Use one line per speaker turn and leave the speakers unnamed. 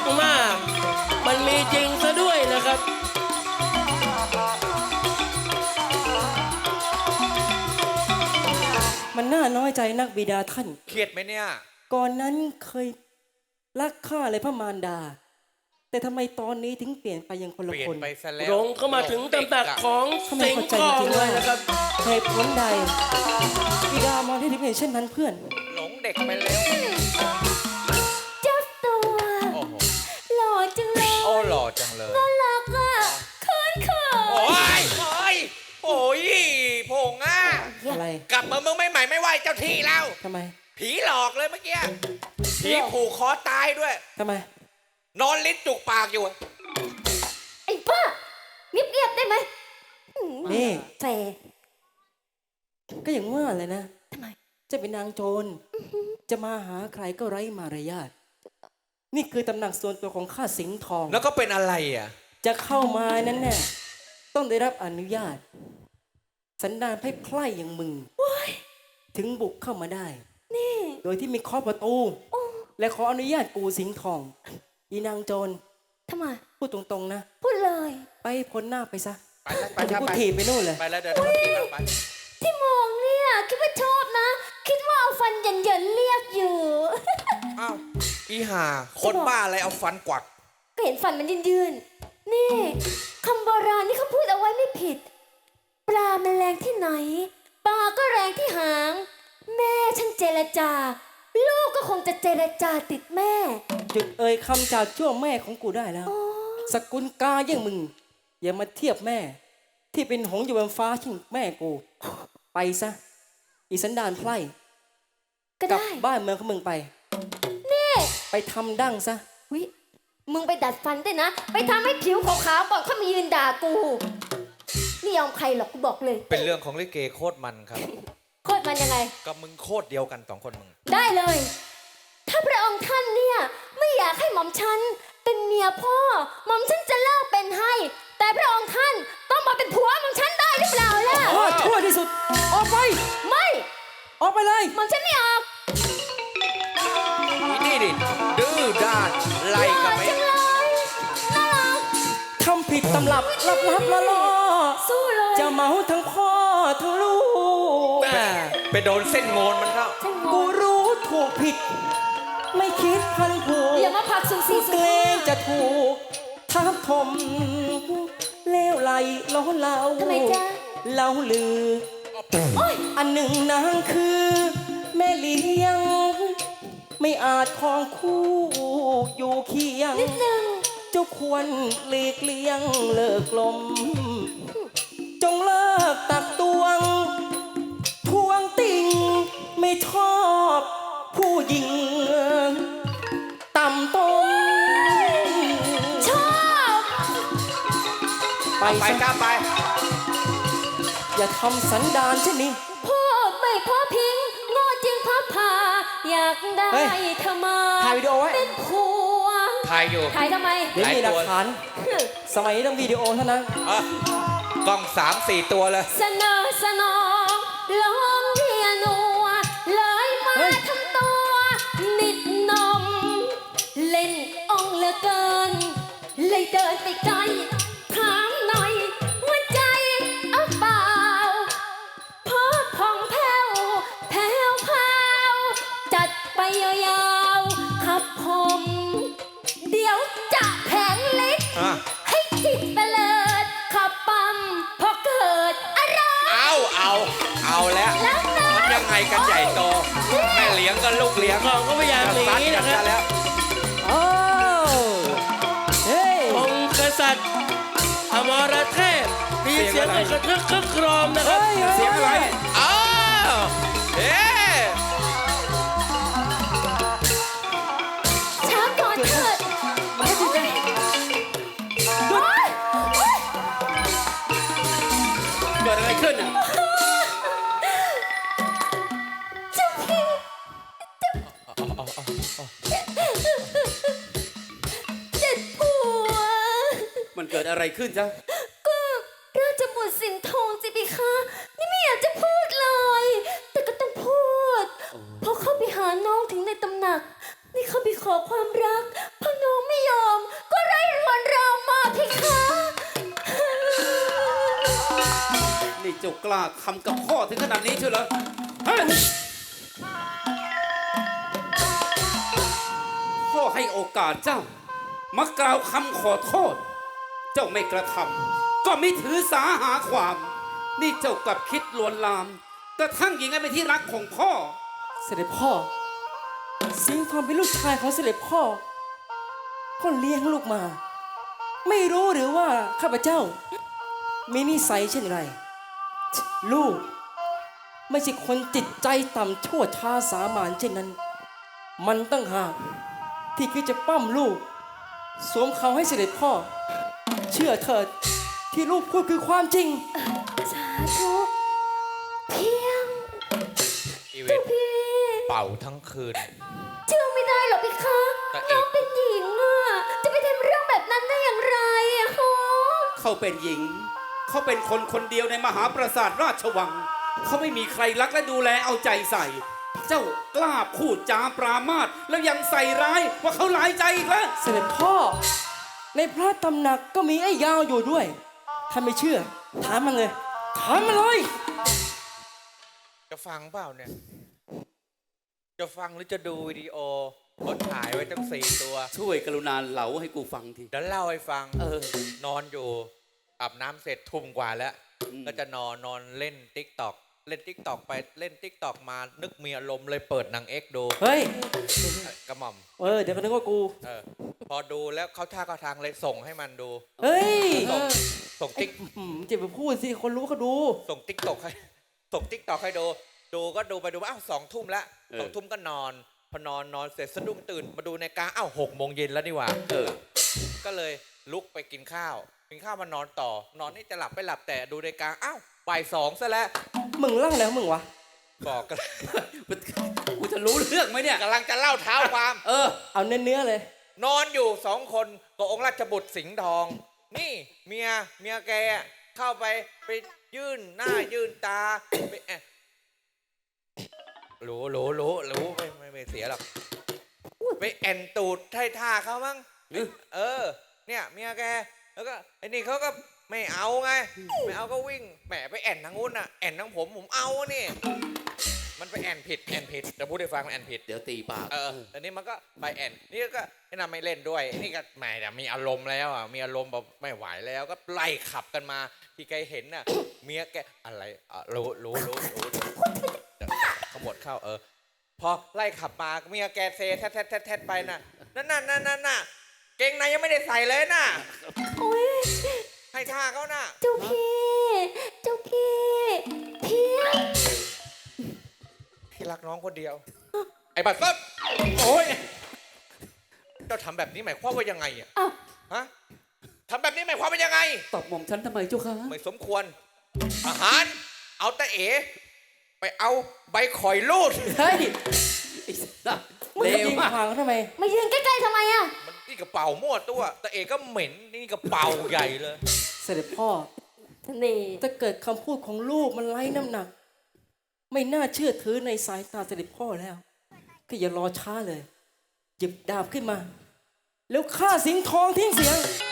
มากมันมีจริงซะด้วยนะครับ
มันน่าน้อยใจนักบิดาท่าน
เครียดไหมเนี่ย
ก่อนนั้นเคยรักข้าเลยพระมารดาแต่ทำไมตอนนี้ถึงเปลี่ยนไปยังคนละคน
หลงเข้ามาถึงตำหนักของสิงห์ทองเลยนะครับ
เหตุผลใดบิดามองให้ถึงเห็นเช่นนั้นเพื่อน
หลงเด็กไปแล้ว
เจ้าตัวหล่อจังเลย
โอ้หล่อจังเลย
น่ารักอ่ะเขิน
โอ้ยโอ้ยผงอ่ะ
อะไร
กลับมาเมืองไม่ใหม่ไม่ไหวเจ้าที่แล้ว
ทำไม
ผีหลอกเลยเมื่อกี้ผีผูกคอตายด้วย
ทำไม
นอนลิ้นจุกปากอยู่
ไอ้ป้าเงียบๆได้ไหม
นี่
แฟ
ก็อย่างว่าเลยนะ
ทำไม
จะเป็นนางโจรจะมาหาใครก็ไร้มารยาทนี่คือตำหนักส่วนตัวของข้าสิงห์ทอง
แล้วก็เป็นอะไรอ่ะ
จะเข้ามานั้นแน่ต้องได้รับอนุญาตสันดานไพร่ๆอย่างมึงถึงบุกเข้ามาได้
นี่
โดยที่มีเคาะประตูและขออนุญาตกูสิงห์ทองอีนางโจร
ทำไม
พูดตรงๆนะ
พูดเลย
ไปพ้นหน้าไปซะ
ไป
กูถีบไปนู่นเลย
ไปแล้วเดี๋ยวกินไป
ที่มองเนี่ยคิดว่าชอบนะคิดว่าเอาฟันเหยินๆเรียกอยู่
อ้าวอีห่าคนบ้าอะไรเอาฟันกวัก
ก็เห็นฟันมันยืนๆนี่คำโบราณนี่เขาพูดเอาไว้ไม่ผิดปลามันแรงที่ไหนปลาก็แรงที่หางแม่ฉันเจรจาลูกก็คงจะเจรจาติดแม่
หยุดเอ่ยคำจากชั่วแม่ของกูได้แล้วสกุลกาอย่างมึงอย่ามาเทียบแม่ที่เป็นหงส์อยู่บนฟ้าชิงแม่กูไปซะอีสันดานไพร่กลับบ้านเมืองของมึงไป
นี่
ไปทำดั้งซะ
วิมึงไปดัดฟันด้วยนะไปทำให้ผิวขาวๆก่อนเขามายืนด่ากูไม่ยอมใครหรอกกูบอกเลย
เป็นเรื่องของลิเกโคตรมันครับ
โคตรมันยังไง
กับมึงโคตรเดียวกันสองคนมึง
ได้เลยถ้าพระองค์ท่านเนี่ยไม่อยากให้หม่อมฉันเป็นเมียพ่อหม่อมฉันจะเลิกเป็นให้แต่พระองค์ท่านต้องมาเป็นผัวหม่อมฉันได้หรือเปล่าล่ะ
ชั่วที่สุดออกไป
ไม่
ออกไปเลย
หม่อมฉันไม่ออก
นี่ดิดื้อด้านไล่กันไหม
ทำผิดตำรับลับละล่อ
สู้เลย
จะเมาทั้งพ่อทั้งลูก
ไปโดนเส้นโงนมันเข้า
กูรู้ถูกผิดไม่คิดพันผูก
อย่ามาผักสูสี
เกรงจะถูกทับถมเลวไหลล้อเล่า
ทำไมจ๊ะ
เล่าลืออันหนึ่งนางคือแม่เลี้ยงไม่อาจครองคู่อยู่เคียง
นิดนึง
เจ้าควรหลีกเลี่ยงเลิกลมจงเลิกตักตวงทวงติ่งไม่ชอบผู้หญิงต่ำต้ม
ชอบ
ไปกล้าไป
อย่าทำสันดานเช่นนี้
พ่อไม่พ่อพิงโง่จริงพ่อพาอยากได้เธอมา
ถ่ายวิดีโอไว้
เป็นผัว
ถ่ายอยู่
ถ่ายทำไม
เดี๋ยวมีหลักฐานสมัยนี้ต้องวิดีโอเท่านั้น
กล้อง3-4 ตัวเลย
สนองลองเพียนัวเลยมาทำตัวนิดนมเล่นองเหลือเกินเลยเดินไปไกลถามหน่อยหัวใจเอาเปล่าพอผ่องแผ้วแผ้วพาวจัดไปยาวๆขับผมเดี๋ยวจะแผงเล็กให้จิตเตลิดขับปั๊มพอเกิดอะไร
เอาแล้วมันยังไงกันใหญ่โตแม่เลี้ยงกับลูกเลี้ยง
เราก็พยายามหนีนะครับ
แล้ว
องค์กษัตริย์อมรเทพมีเสียงกระทึกคึกโครมนะครับ
เสียงอะไร
ช้าก่อนเถิด
เกิดอะไรขึ้นอ่ะ
เจ้าพี่เจ็ดผัว
มันเกิดอะไรขึ้นจ๊ะ
ก็ราชบุตรสิงห์ทองสิพี่คะนี่ไม่อยากจะพูดเลยแต่ก็ต้องพูดเพราะเข้าไปหาน้องถึงในตำหนักนี่เข้าไปขอความรักเพราะน้องไม่ยยอมก็ไร้รวนรามมาเพคะ
นี่เจ้ากล้าทำกับพ่อถึงขนาดนี้เชียวเหรอเฮ้ยพ่อให้โอกาสเจ้ามากล่าวคำขอโทษ เจ้าไม่กระทำก็ไม่ถือสาหาความ นี่เจ้ากลับคิดลวนลามกระทั่งหญิงให้เป็นที่รักของพ่อ
เสด็จพ่อ สิงห์ทองเป็นลูกชายของเสด็จพ่อพ่อเลี้ยงลูกมา ไม่รู้หรือว่าข้าพเจ้า มีนิสัยเช่นไร ลูก ไม่ใช่คนจิตใจต่ำชั่วช้าสามัญเช่นนั้น มันตั้งหากที่คิดจะปั้มลูก สวมเขาให้เสด็จพ่อ เชื่อเถิดที่ลูกพูดคือความจริง
สาธุเพียง
อีเว
เจ้าน พี่
เป่าทั้งคืน
เชื่อไม่ได้หรอกเพคะ
แต่เอก
น้องเป็นหญิงอ่ะจะไปทำเรื่องแบบนั้นได้อย่างไรอะฮะ
เขาเป็นหญิง เขาเป็นคนคนเดียวในมหาปราสาทราชวัง เขาไม่มีใครรักและดูแลเอาใจใส่ เจ้ากล้าพูดจาปรามาสแล้วยังใส่ร้ายว่าเขาหลายใจอีกแล้ว
เสด็จพ่อ ในพระตำหนักก็มีไอ้ยาวอยู่ด้วย ถ้าไม่เชื่อ ถามมันเลย ถามมันเลย
จะฟังเปล่าเนี่ย จะฟังหรือจะดูวิดีโอเขาถ่ายไว้ตั้ง4 ตัว
ช่วยกรุณาเหลาให้กูฟังที
เดี๋ยวเล่าให้ฟัง
เออ
นอนอยู่อาบน้ำเสร็จทุ่มกว่าแล้ว
อืม
ก็จะนอนเล่นติ๊กตอกเล่นติ๊กตอกไปเล่นติ๊กตอกมานึกมีอารมณ์เลยเปิดหนังเอ็กดู
เฮ้ย
กระหม่อม
เดี๋ยวก็นึกว่ากู
เออพอดูแล้วเขาท่าเขาทางเลยส่งให้มันดู
เฮ้ย
ส่งติ๊ก
จะไปพูดสิ คนรู้เขาดู
ส่งติ๊กตอกให้ส่งติ๊กตอกให้ดู ดูก็ดูไปดูมาอ้าว2 ทุ่มแล้ว
เออ
2 ทุ่มก็นอน พอนอนเสร็จสะดุ้งตื่นมาดูในาฬิกาอ้าว6 โมงเย็นแล้วนี่หว่า
เออ
ก็เลยลุกไปกินข้าว กินข้าวมานอนต่อ นอนนี่จะหลับไม่หลับแต่ดูในาฬิกาอ้าวบ่าย 2ซะแล้ว
มึงร่างแล้วมึงวะ
บอกกัน
กูจะรู้เรื่องไหมเนี่ย
กำลังจะเล่าเท้าความ
เออ
เอาเนื้อเลย
นอนอยู่2 คนกับองค์ราชบุตรสิงห์ทอง นี่เมียแกเข้าไปยื่นหน้ายื่นตาไปแอะรู้ไม่เสียหรอกไปแอนตูดไท่ท่าเขามั้ง เออ เนี่ยเมียแกแล้วก็ไอ้นี่เขาก็ไม่เอาไงไม่เอาก็วิ่งแหมไปแอนทางนู้นน่ะแอนทางผมเอานี่มันไปแอนผิดจะพูดให้ฟังมันแอนผิด
เดี๋ยวตีปาก
อันนี้มันก็ไปแอนนี่ก็ไอ้นั่นไม่เล่นด้วยนี่ก็แหมมีอารมณ์แล้วอ่ะมีอารมณ์แบบไม่ไหวแล้วก็ไล่ขับกันมาที่แกเห็นน่ะเมียแกอะไรรู้ขมวดเข้าพอไล่ขับมาเมียแกเซแทดไปน่ะนั่นเกงในยังไม่ได้ใส่เลยน่ะ
โอ้ย
ให้ท่าเขาน่ะ
เจ้าพี่เพียง
พี่รักน้องคนเดียว ไอ้บัตรซบโอ้ยเจ้าทำแบบนี้หมายความว่ายังไงอ่ะ
อ้าว
ฮะทำแบบนี้หมายความว่ายังไง
ตอบหม่อมฉันทำไมเจ้าคะ
ไม่สมควรอาหารเอาแต่เอ๋ไปเอาใบข่อยลูด
เฮ้ย
ไอ้สัส
มึง
เล
จะ
ว
ยิง
มาก
ห่างเขาทำไม
มายืนใกล้ๆทำไมอะ
มันนี่กระเป๋ามั่วตัวแต่เอ๋ก็เหม็นนี่กระเป๋าใหญ่เลย
เสด็จพ่อ
นี่
ถ้าเกิดคำพูดของลูกมันไร้น้ำหนัก ไม่น่าเชื่อถือในสายตาเสด็จพ่อแล้ว ก็อย่ารอช้าเลย หยิบดาบขึ้นมา แล้วฆ่าสิงห์ทองทิ้งเสียง